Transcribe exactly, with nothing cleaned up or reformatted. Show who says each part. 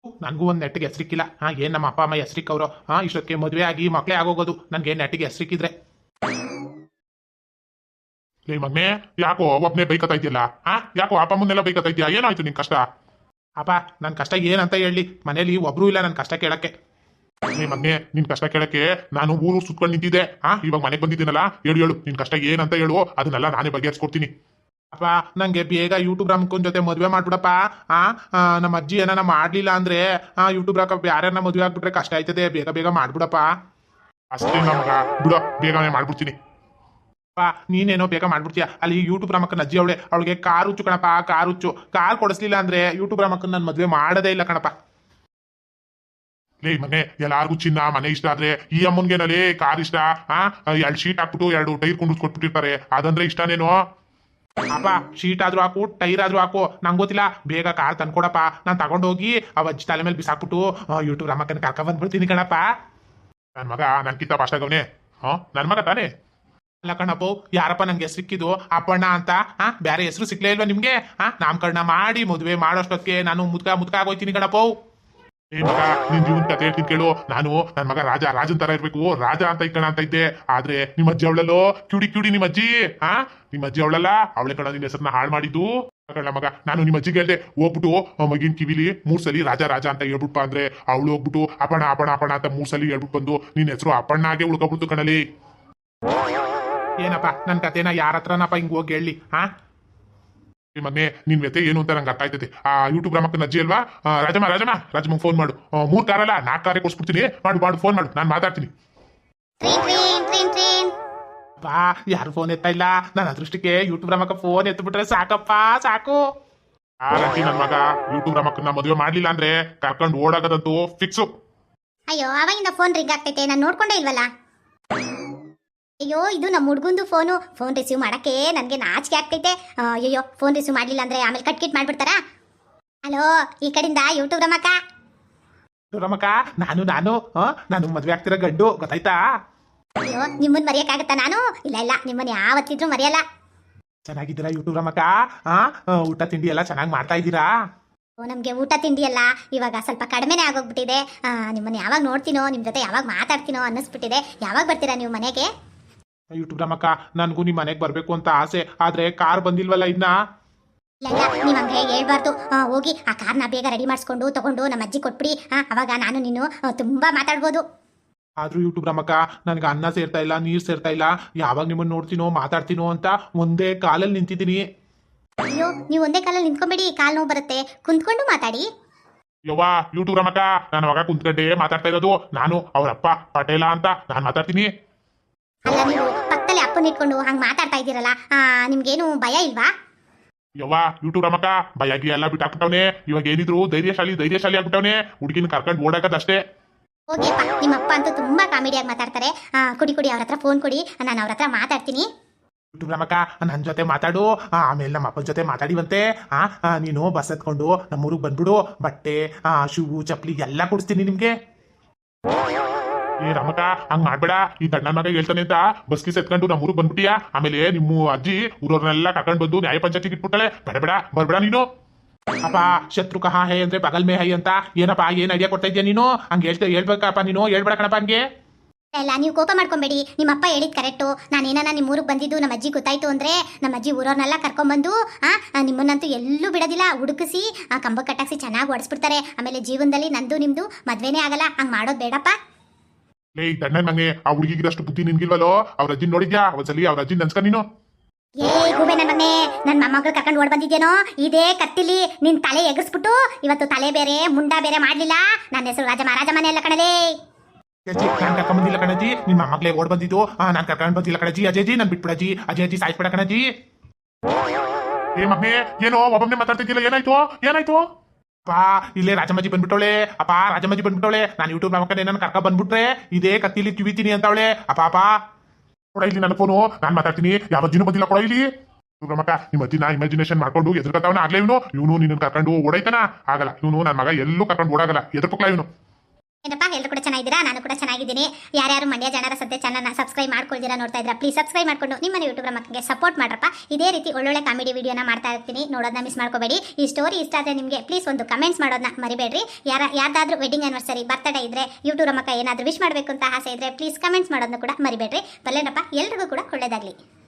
Speaker 1: ನನಗೂ ಒಂದು ನೆಟ್ಟಿಗೆ ಹೆಸರಿಕ್ಕಿಲ್ಲ. ಹಾ, ಏನ್ ನಮ್ಮ ಅಪ್ಪ ಅಮ್ಮ ಹೆಸರಿಕ್ಕವ್ರು? ಹಾ, ಇಷ್ಟೊತ್ತಿಗೆ ಮದುವೆ ಆಗಿ ಮಕ್ಕಳೇ ಆಗೋಗೋದು. ನನ್ಗೆ ನೆಟ್ಟಿಗೆ ಹೆಸರಿಕ್ಕಿದ್ರೆ.
Speaker 2: ಲೇ ಮಗ್ನೆ, ಯಾಕೋ ಒಬ್ನೇ ಬೈಕತ್ತಾ ಇದೆಯಲ್ಲ? ಹಾ, ಯಾಕೋ ಅಪ್ಪ ಮುಂದೆಲ್ಲ ಬೈಕತ್ತಾ ಇದೆಯಾ? ಏನಾಯ್ತು ನಿನ್ ಕಷ್ಟ?
Speaker 1: ಅಪ್ಪ, ನನ್ನ ಕಷ್ಟ ಏನಂತ ಹೇಳಿ? ಮನೇಲಿ ಒಬ್ರು ಇಲ್ಲ ನನ್ನ ಕಷ್ಟ ಕೇಳಕ್ಕೆ.
Speaker 2: ಲೇ ಮಗ್ನೆ, ನಿನ್ ಕಷ್ಟ ಕೇಳಕ್ಕೆ ನಾನು ಊರು ಸುತ್ಕೊಂಡು ನಿಂತಿದ್ದೆ. ಹಾ, ಇವಾಗ ಮನೆಗೆ ಬಂದಿದ್ದೀನಲ್ಲ, ಹೇಳು ಹೇಳು ನಿನ್ ಕಷ್ಟ ಏನಂತ ಹೇಳು, ಅದನ್ನೆಲ್ಲ ನಾನೇ ಬಗೆಹರಿಸ್ಕೊಡ್ತೀನಿ.
Speaker 1: ಅಪ್ಪ, ನಂಗೆ ಬೇಗ ಯೂಟ್ಯೂಬ್ ರಾಮಕ್ಕನ ಜೊತೆ ಮದುವೆ ಮಾಡ್ಬಿಡಪ್ಪ. ಆ ಆ, ನಮ್ಮ ಅಜ್ಜಿ ಏನಾನ ಮಾಡ್ಲಿಲ್ಲ ಅಂದ್ರೆ ಆ ಯೂಟ್ಯೂಬ್ ರಾಕ ಯಾರನ್ನ ಮದುವೆ ಆಗ್ಬಿಟ್ರೆ ಕಷ್ಟ ಆಯ್ತದೆ. ಬೇಗ ಬೇಗ ಮಾಡ್ಬಿಡಪ್ಪ.
Speaker 2: ಅಷ್ಟೇ ನಮಗ ಬಿಡೋ, ಬೇಗನೆ ಮಾಡ್ಬಿಡ್ತೀನಿ.
Speaker 1: ಅಪ್ಪ, ನೀನೇನೋ ಬೇಗ ಮಾಡ್ಬಿಡ್ತೀಯ. ಅಲ್ಲಿ ಯೂಟ್ಯೂಬ್ ರಾಮಕ್ಕನ ಅಜ್ಜಿ ಅವಳೆ, ಅವಳಿಗೆ ಕಾರ್ ಹುಚ್ಚು ಕಣಪ್ಪ, ಕಾರ್ ಹುಚ್ಚು. ಕಾರ್ ಕೊಡಿಸ್ಲಿಲ್ಲ ಅಂದ್ರೆ ಯೂಟ್ಯೂಬ್ ರಾಮಕ್ಕನ ನನ್ನ ಮದುವೆ ಮಾಡೋದೇ ಇಲ್ಲ ಕಣಪ್ಪ.
Speaker 2: ಲೇ ಮನೆ, ಎಲ್ಲಾರ್ಗು ಚಿನ್ನ ಮನೆ ಇಷ್ಟ ಆದ್ರೆ ಈ ಅಮ್ಮನ್ಗೇನಲ್ಲಿ ಕಾರ್ ಇಷ್ಟ? ಆ ಎರಡು ಶೀಟ್ ಹಾಕ್ಬಿಟ್ಟು ಎರಡು ಟೈರ್ ಕೊಂಡಿಸ್ಕೊಟ್ಬಿಟ್ಟಿರ್ತಾರೆ, ಅದಂದ್ರೆ ಇಷ್ಟನೇನೋ?
Speaker 1: ಅಪ್ಪ, ಶೀಟ್ ಆದ್ರೂ ಹಾಕು, ಟೈರ್ ಆದ್ರೂ ಹಾಕು, ನಂಗೆ ಗೊತ್ತಿಲ್ಲ. ಬೇಗ ಕಾರ್ ತಂದ್ಕೊಡಪ್ಪ. ನಾನು ತಗೊಂಡೋಗಿ ಅವ ಅಜ್ಜಿ ತಲೆ ಮೇಲೆ ಬಿಸಾಕ್ಬಿಟ್ಟು ಯೂಟ್ಯೂಬ್ ರಾಮಕ್ಕನ ಕರ್ಕ ಬಂದ್ಬಿಡ್ತೀನಿ ಕಣಪ್ಪ.
Speaker 2: ನನ್ ಮಗ ನನ್ಕಿಂತ ಪಾಸ್ಟಾಗವನೆ. ಹಾ, ನನ್ ಮಗ ತಾನೇ.
Speaker 1: ಅಲ್ಲ ಕಣಪ್ಪ, ಯಾರಪ್ಪ ನಂಗೆ ಹೆಸರು ಸಿಕ್ಕಿದ್ದು? ಅಪ್ಪಣ್ಣ ಅಂತ. ಹಾ, ಬೇರೆ ಹೆಸರು ಸಿಕ್ಲೇ ಇಲ್ವಾ ನಿಮ್ಗೆ? ಹಾ, ನಾಮಕರಣ ಮಾಡಿ ಮದುವೆ ಮಾಡೋಷ್ಟೊತ್ತಿಗೆ ನಾನು ಮುದ್ಕ ಮುದ್ಕ ಆಗೋಯ್ತೀನಿ ಕಣಪ್ಪ.
Speaker 2: ಏ ಮಗ, ನಿನ್ ಜೀವನ ಕತೆ ಹೇಳ್ತೀನಿ ಕೇಳು. ನಾನು ನನ್ ಮಗ ರಾಜ ರಾಜನ್ ತರ ಇರ್ಬೇಕು, ರಾಜ ಅಂತ ಇಕ್ಕಣ ಅಂತ ಇದ್ದೆ. ಆದ್ರೆ ನಿಮ್ಮ ಅಜ್ಜಿ ಅವಳಲ್ಲೋ ಕ್ಯೂಡಿ ಕ್ಯೂಡಿ ನಿಮ್ಮ ಅಜ್ಜಿ. ಹಾ, ನಿಮ್ಮ ಅಜ್ಜಿ ಅವಳಲ್ಲ, ಅವಳೆ ಕಣ ನಿನ್ನ ಹೆಸರನ್ನ ಹಾಳು ಮಾಡಿದ್ದು. ಕಳ್ಳ ಮಗ, ನಾನು ನಿಮ್ಮ ಅಜ್ಜಿಗೆ ಹೇಳ್ದೆ, ಹೋಗ್ಬಿಟ್ಟು ಮಗಿನ ಕಿವಿಲಿ ಮೂರ್ ಸಲಿ ರಾಜ ರಾಜ ಅಂತ ಹೇಳ್ಬಿಟ್ಟು ಅಂದ್ರೆ ಅವಳು ಹೋಗ್ಬಿಟ್ಟು ಅಪಣ ಅಪಣ ಅಪಣ ಅಂತ ಮೂರ್ ಸಲಿ ಹೇಳ್ಬಿಟ್ಟು ಬಂದು ನಿನ್ ಹೆಸರು ಅಪ್ಪಣ್ಣಾಗೆ ಉಳ್ಕೊಬಿಡ್ತು ಕಣಲಿ.
Speaker 1: ಏನಪ್ಪ, ನನ್ನ ಕತೆನ ಯಾರ ಹತ್ರನಪ್ಪ ಹಿಂಗ್ ಹೋಗಿ ಹೇಳಿ? ಹಾ,
Speaker 2: ಮಗನೆ, ನಿನ್ ವ್ಯತೆ ಏನು ಅಂತ ನಂಗೆ ಅರ್ಥ ಆಯ್ತದೆ. ಆ ಯೂಟ್ಯೂಬ್ ರಾಮಕ್ಕನ ಅಜ್ಜಿ ಅಲ್ವಾ? ರಾಜಮ್ಮ ರಾಜಮ್ಮ ರಾಜಮ್ಮಂಗೆ ಫೋನ್ ಮಾಡು. ಮೂರ್ ಕಾರಲ್ಲ ನಾಲ್ಕು ಕಾರೇ ಕೊಡ್ಸ್ಬಿಡ್ತೀನಿ. ಮಾಡು ಮಾಡು, ಫೋನ್ ಮಾಡು, ನಾನು ಮಾತಾಡ್ತೀನಿ.
Speaker 1: ಬಾ, ಯಾರು ಫೋನ್ ಎತ್ತಾ ಇಲ್ಲ. ನನ್ನ ಅದೃಷ್ಟಕ್ಕೆ ಯೂಟ್ಯೂಬ್ ರಾಮಕ್ಕ ಫೋನ್ ಎತ್ಬಿಟ್ರೆ ಸಾಕಪ್ಪ, ಸಾಕು.
Speaker 2: ಆ ರತಿ ನನ್ ಮಗ ಯೂಟ್ಯೂಬ್ ರಾಮಕ್ಕನ ಮದುವೆ ಮಾಡ್ಲಿಲ್ಲ ಅಂದ್ರೆ ಕರ್ಕೊಂಡು ಓಡಾಗದಂತೂ ಫಿಕ್ಸು.
Speaker 3: ಅಯ್ಯೋ, ಅವಾಗಿಂದ ಫೋನ್ ರಿಂಗ್ ಆಗ್ತೈತೆ, ನಾನು ನೋಡ್ಕೊಂಡೇ ಇಲ್ವಲ್ಲ. ಅಯ್ಯೋ, ಇದು ನಮ್ಮ ಹುಡ್ಗಂದು ಫೋನು. ಫೋನ್ ರಿಸೀವ್ ಮಾಡಕ್ಕೆ ನನಗೆ ನಾಚಿಕೆ ಆಗ್ತೈತೆ. ಅಯ್ಯೋ, ಫೋನ್ ರಿಸೀವ್ ಮಾಡಲಿಲ್ಲ ಅಂದ್ರೆ ಆಮೇಲೆ ಕಟ್ ಕಿಟ್ ಮಾಡ್ಬಿಡ್ತಾರಾ? ಹಲೋ, ಈ ಕಡೆಯಿಂದ ಯೂಟ್ಯೂಬ್ ರಮಕ್ಕ.
Speaker 1: ರಮಕ್ಕ, ನಾನು ನಾನು ನಾನು ಮದ್ವೆ ಆಗ್ತಿರೋ ಗಂಡು, ಗೊತ್ತಾಯ್ತಾ?
Speaker 3: ಅಯ್ಯೋ, ನಿಮ್ಮನ್ನ ಮರೆಯಕ್ಕಾಗತ್ತಾ ನಾನು? ಇಲ್ಲ ಇಲ್ಲ, ನಿಮ್ಮನ್ನ ಯಾವತ್ತಿದ್ರು ಮರೆಯಲ್ಲ.
Speaker 1: ಚೆನ್ನಾಗಿದ್ದೀರಾ ಯೂಟ್ಯೂಬ್ ರಮಕ್ಕ? ಹಾ, ಊಟ ತಿಂಡಿ ಎಲ್ಲ ಚೆನ್ನಾಗಿ ಮಾಡ್ತಾ ಇದ್ದೀರಾ?
Speaker 3: ಓ, ನಮಗೆ ಊಟ ತಿಂಡಿ ಎಲ್ಲ ಇವಾಗ ಸ್ವಲ್ಪ ಕಡಿಮೆನೇ ಆಗೋಗ್ಬಿಟ್ಟಿದೆ. ನಿಮ್ಮನ್ನ ಯಾವಾಗ ನೋಡ್ತೀನೋ, ನಿಮ್ಮ ಜೊತೆ ಯಾವಾಗ ಮಾತಾಡ್ತೀನೋ ಅನ್ನಿಸ್ಬಿಟ್ಟಿದೆ. ಯಾವಾಗ ಬರ್ತೀರಾ ನೀವು ಮನೆಗೆ?
Speaker 1: ಯೂಟ್ಯೂಬ್ ರಮಕ್ಕ, ನನಗೂ ನಿಮ್ಮ ಮನೆಗೆ ಬರಬೇಕು ಅಂತ ಆಸೆ, ಆದ್ರೆ ಕಾರ್ ಬಂದಿಲ್ವಲ್ಲ ಇನ್ನ.
Speaker 3: ಇಲ್ಲ ಇಲ್ಲ, ನೀವು ಹಂಗೆ ಹೇಳ್ಬಾರ್ದು. ಹೋಗಿ ಆ ಕಾರ್ನ ಬೇಗ ರೆಡಿ ಮಾಡಿಸ್ಕೊಂಡು ತಗೊಂಡು ನಮ್ಮ ಅಜ್ಜಿ ಕೊಟ್ಬಿಡಿ. ಅವಾಗ ನಾನು ನೀನು ತುಂಬಾ ಮಾತಾಡ್ಬೋದು.
Speaker 1: ಆದ್ರೂ ಯೂಟ್ಯೂಬ್ ರಮಕ್ಕ, ನನಗೆ ಅನ್ನ ಸೇರ್ತಾ ಇಲ್ಲ, ನೀರ್ ಸೇರ್ತಾ ಇಲ್ಲ. ಯಾವಾಗ ನಿಮ್ಮನ್ನ ನೋಡ್ತೀನೋ ಮಾತಾಡ್ತೀನೋ ಅಂತ ಒಂದೇ ಕಾಲಲ್ಲಿ ನಿಂತಿದ್ದೀನಿ.
Speaker 3: ಅಯ್ಯೋ, ನೀವು ಒಂದೇ ಕಾಲಲ್ಲಿ ನಿಂತ್ಕೊಂಬೇಡಿ, ಕಾಲ್ ನೋವು ಬರುತ್ತೆ. ಕುಂತ್ಕೊಂಡು ಮಾತಾಡಿ.
Speaker 2: ಯವ್ವ ಯೂಟ್ಯೂಬ್ ರಾಮಕ್ಕ, ನನ್ನ ಮಗ ಕುಂತ್ಕಂಡೆ ಮಾತಾಡ್ತಾ ಇರೋದು. ನಾನು ಅವರಪ್ಪ ಪಟೇಲ ಅಂತ ನಾನು ಮಾತಾಡ್ತೀನಿ.
Speaker 3: ಅಲ್ಲ, ನೀವು ಪಕ್ಕದಲ್ಲಿ ಅಪ್ಪನ ಇಟ್ಕೊಂಡು ಹಂಗ್ ಮಾತಾಡ್ತಾ ಇದ್ದೀರಲ್ಲ, ನಿಮ್ಗೇನು ಭಯ ಇಲ್ವಾ?
Speaker 2: ಯವ್ವ ಯೂಟ್ಯೂಬ್ ರಾಮಕ್ಕ, ಭಯಾಗಿ ಎಲ್ಲ ಬಿಟ್ಟಾಕ್ಬಿಟ್ಟವನೆ. ಇವಾಗ ಏನಿದ್ರು ಧೈರ್ಯಶಾಲಿ ಧೈರ್ಯಶಾಲಿ ಆಗ್ಬಿಟ್ಟವನೆ. ಹುಡುಗಿನ ಕರ್ಕೊಂಡು ಓಡಾಕದಷ್ಟೇ.
Speaker 3: ಹೋಗಿಯಪ್ಪ, ನಿಮ್ಮ ಅಪ್ಪ ಅಂತೂ ತುಂಬಾ ಕಾಮಿಡಿಯಾಗಿ ಮಾತಾಡ್ತಾರೆ. ಕುಡಿ ಕುಡಿ, ಅವ್ರ ಹತ್ರ ಫೋನ್ ಕೊಡಿ, ನಾನು ಅವ್ರ ಹತ್ರ ಮಾತಾಡ್ತೀನಿ.
Speaker 1: ಯೂಟ್ಯೂಬ್ ರಮಕ್ಕ, ನನ್ನ ಜೊತೆ ಮಾತಾಡು. ಆಮೇಲೆ ನಮ್ಮ ಅಪ್ಪನ ಜೊತೆ ಮಾತಾಡಿವಂತೆ. ಆ ನೀನು ಬಸ್ ಎತ್ಕೊಂಡು ನಮ್ಮೂರಿಗೆ ಬಂದ್ಬಿಡು. ಬಟ್ಟೆ, ಶೂ, ಚಪ್ಪಲಿ ಎಲ್ಲ ಕೊಡಿಸ್ತೀನಿ ನಿಮ್ಗೆ.
Speaker 2: ಏ ರಮಕ, ಹಂಗ್ ಮಾಡ್ಬೇಡ. ಈ ದಣ್ಣ ಮಗ ಹೇಳ್ತಾನೆ ಅಂತ ಬಸ್ ಗಿಸ್ ಎತ್ಕೊಂಡು ನಮ್ಮ ಊರಿಗೆ ಬಂದ್ಬಿಟ್ಟಿಯಾ. ಆಮೇಲೆ ನಿಮ್ಮ ಅಜ್ಜಿ ಊರವ್ರನ್ನೆಲ್ಲ ಕರ್ಕೊಂಡು ಬಂದು ನ್ಯಾಯ ಪಂಚಾಯತಿಗೆ ಇಟ್ಬಿಟ್ಟಾಳೆ. ಬೇಡ ಬೇಡ, ಬರ್ಬೇಡ ನೀನು.
Speaker 1: ಅಪ್ಪ, ಶತ್ರು ಕಹಾ ಹೇ ಅಂದ್ರೆ ಬಗಲ್ ಮೇ ಹೈ ಅಂತ. ಏನಪ್ಪ, ಏನ್ ಐಡಿಯಾ ಕೊಡ್ತಾ ಇದೆಯಾ ನೀನು? ಹಂಗೆ ಹೇಳ್ತಾ ಹೇಳ್ಬೇಕಪ್ಪ ನೀನು, ಹೇಳ್ಬೇಡ ಕಣಪ್ಪ ಹಂಗೆ.
Speaker 3: ಇಲ್ಲ, ನೀವು ಕೋಪ ಮಾಡ್ಕೊಂಬೇಡಿ. ನಿಮ್ಮ ಅಪ್ಪ ಹೇಳಿದ್ ಕರೆಕ್ಟು. ನಾನು ಏನಾನ ನಿಮ್ಮ ಊರಿಗೆ ಬಂದಿದ್ದು ನಮ್ಮ ಅಜ್ಜಿ ಗೊತ್ತಾಯ್ತು ಅಂದ್ರೆ ನಮ್ಮ ಅಜ್ಜಿ ಊರವ್ರನ್ನೆಲ್ಲ ಕರ್ಕೊಂಡ್ಬಂದು ಆ ನಿಮ್ಮನ್ನಂತೂ ಎಲ್ಲೂ ಬಿಡೋದಿಲ್ಲ. ಹುಡುಕಿಸಿ ಕಂಬ ಕಟ್ಟಾಕ್ಸಿ ಚೆನ್ನಾಗಿ ಓಡಿಸ್ಬಿಡ್ತಾರೆ. ಆಮೇಲೆ ಜೀವನದಲ್ಲಿ ನಂದು ನಿಮ್ದು ಮದ್ವೆನೇ ಆಗಲ್ಲ. ಹಂಗ್ ಮಾಡೋದು ಬೇಡಪ್ಪ.
Speaker 2: ಲೇ ದಣ್ಣ ಮಗನೇ, ಆ ಹುಡುಗಿಗಿರಷ್ಟು ಬುದ್ಧಿ ನಿನ್ಗಿಲ್ವಲ್ಲೋ? ಅವ್ರ ಅಜ್ಜಿ ನೋಡಿದ್ಯಾ? ಒಂದ್ಸಲಿ ಅವ್ರ ಅಜ್ಜಿ ನನ್ಸ್ಕ ನೀನು.
Speaker 3: ಏ ಗೂಬೆ ನನ್ನ ಮಗನೇ, ನನ್ನ ಮೊಮ್ಮಗಳು ಕರ್ಕೊಂಡು ಓಡ್ ಬಂದಿದ್ದೇನೋ ಇದೇ ಕತ್ತಿಲಿ ನಿನ್ ತಲೆ ಎಗಸ್ಬಿಟ್ಟು ಇವತ್ತು ತಲೆ ಬೇರೆ ಮುಂಡ ಬೇರೆ ಮಾಡ್ಲಿಲ್ಲ. ನನ್ನ ಹೆಸರು ರಾಜಮ್ಮ, ರಾಜಮ್ಮನೆ ಎಲ್ಲ ಕಣಲೇ.
Speaker 1: ಅಜ್ಜಿ, ನಾನ್ ಕರ್ಕೊಂಡ್ ಬಂದಿಲ್ಲ ಕಣಜಿ. ನಿಮ್ಮ ಮಗ್ಲೇ ಓಡ್ ಬಂದಿದ್ದು. ನಾನ್ ಕರ್ಕೊಂಡ್ ಬಂದಿಲ್ಲ ಕಣಜಿ. ಅಜಯಜಿ, ನನ್ ಬಿಟ್ಬಿಡಜಿ. ಅಜಯಜಿ, ಸಾಯಿಸ್ಬಿಡ ಕಣಜಿ.
Speaker 2: ಏ ಮಗನೇ, ಏನೋ ಒಬ್ಬೊಬ್ಬನೇ ಮಾತಾಡ್ತಿದ್ದಿಲ್ಲ, ಏನಾಯ್ತು ಏನಾಯ್ತು?
Speaker 1: ಅಪ್ಪ, ಇಲ್ಲೇ ರಾಜಮ್ಮಜ್ಜಿ ಬಂದ್ಬಿಟ್ಟವಳೆ. ಅಪ್ಪ, ರಾಜಮ್ಮಜ್ಜಿ ಬಂದ್ಬಿಟ್ಟವಳೆ. ನಾನು ಯೂಟ್ಯೂಬ್ ಮಕ್ಕಳೇ ನನ್ನ ಕರ್ಕ ಬಂದ್ಬಿಟ್ರೆ ಇದೇ ಕತ್ತಿಲಿ ಕಿವಿತೀನಿ ಅಂತವಳೆ. ಅಪ್ಪ ಅಪ್ಪ
Speaker 2: ಕೊಡ ಇಲ್ಲಿ ನನ್ನ ಫೋನು, ನಾನ್ ಮಾತಾಡ್ತೀನಿ. ಯಾವ ಅಜ್ಜಿನೂ ಬಂದಿಲ್ಲ, ಕೊಡ ಇಲ್ಲಿ. ರಮಕ, ನಿಮ್ಮ ಅಜ್ಜಿನ ಇಮ್ಯಾಜಿನೇಷನ್ ಮಾಡ್ಕೊಂಡು ಎದುರ್ಕತಾವನ ಆಗ್ಲೇ ಇವನು. ಇವನು ನಿನ್ನ ಕರ್ಕೊಂಡು ಓಡೈತಾನ ಆಗಲ್ಲ. ಇವನು ನನ್ನ ಮಗ ಎಲ್ಲೂ ಕರ್ಕೊಂಡು ಓಡಾಗಲ್ಲ. ಎದುರ್ಕೊಕ್ಲ ಇವನು.
Speaker 3: ಏನಪ್ಪ ಎಲ್ಲರೂ ಕೂಡ ಚೆನ್ನಾಗಿದ್ದೀರಾ? ನಾನು ಕೂಡ ಚೆನ್ನಾಗಿದ್ದೀನಿ. ಯಾರ್ಯಾರು ಮಂಡ್ಯ ಜನರ ಸದ್ಯ ಚಾನಲ್ನ ಸಬ್ಸ್ಕ್ರೈಬ್ ಮಾಡ್ಕೊಳ್ತೀರಾ ನೋಡ್ತಾ ಇದ್ದೀರಾ, ಪ್ಲೀಸ್ ಸಬ್ಸ್ಕ್ರೈಬ್ ಮಾಡ್ಕೊಂಡು ನಿಮ್ಮ ಯೂಟ್ಯೂಬ್ ಮಕ್ಕಳಿಗೆ ಸಪೋರ್ಟ್ ಮಾಡ್ರಪ್ಪ. ಇದೇ ರೀತಿ ಒಳ್ಳೊಳ್ಳೆ ಕಾಮಿಡಿ ವಿಡಿಯೋನ ಮಾಡ್ತಾ ಇರ್ತೀನಿ, ನೋಡೋದನ್ನ ಮಿಸ್ ಮಾಡ್ಕೋಬೇಡಿ. ಈ ಸ್ಟೋರಿ ಇಷ್ಟ ಆದರೆ ನಿಮಗೆ ಪ್ಲೀಸ್ ಒಂದು ಕಮೆಂಟ್ಸ್ ಮಾಡೋದನ್ನ ಮರಿಬೇಡ್ರಿ. ಯಾರ ಯಾರ್ದಾದ್ರೂ ವೆಡ್ಡಿಂಗ್ ಆನಿವರ್ಸರಿ ಬರ್ತ್ಡೇ ಇದ್ರೆ ಯೂಟ್ಯೂಬ್ ಮಕ್ಕ ಏನಾದರೂ ವಿಶ್ ಮಾಡಬೇಕು ಅಂತ ಆಸೆ ಇದ್ರೆ ಪ್ಲೀಸ್ ಕಮೆಂಟ್ಸ್ ಮಾಡೋದನ್ನ ಕೂಡ ಮರಿಬೇಡ್ರಿ. ಬಲ್ಲೇನಪ್ಪ, ಎಲ್ರಿಗೂ ಕೂಡ ಒಳ್ಳೇದಾಗಲಿ.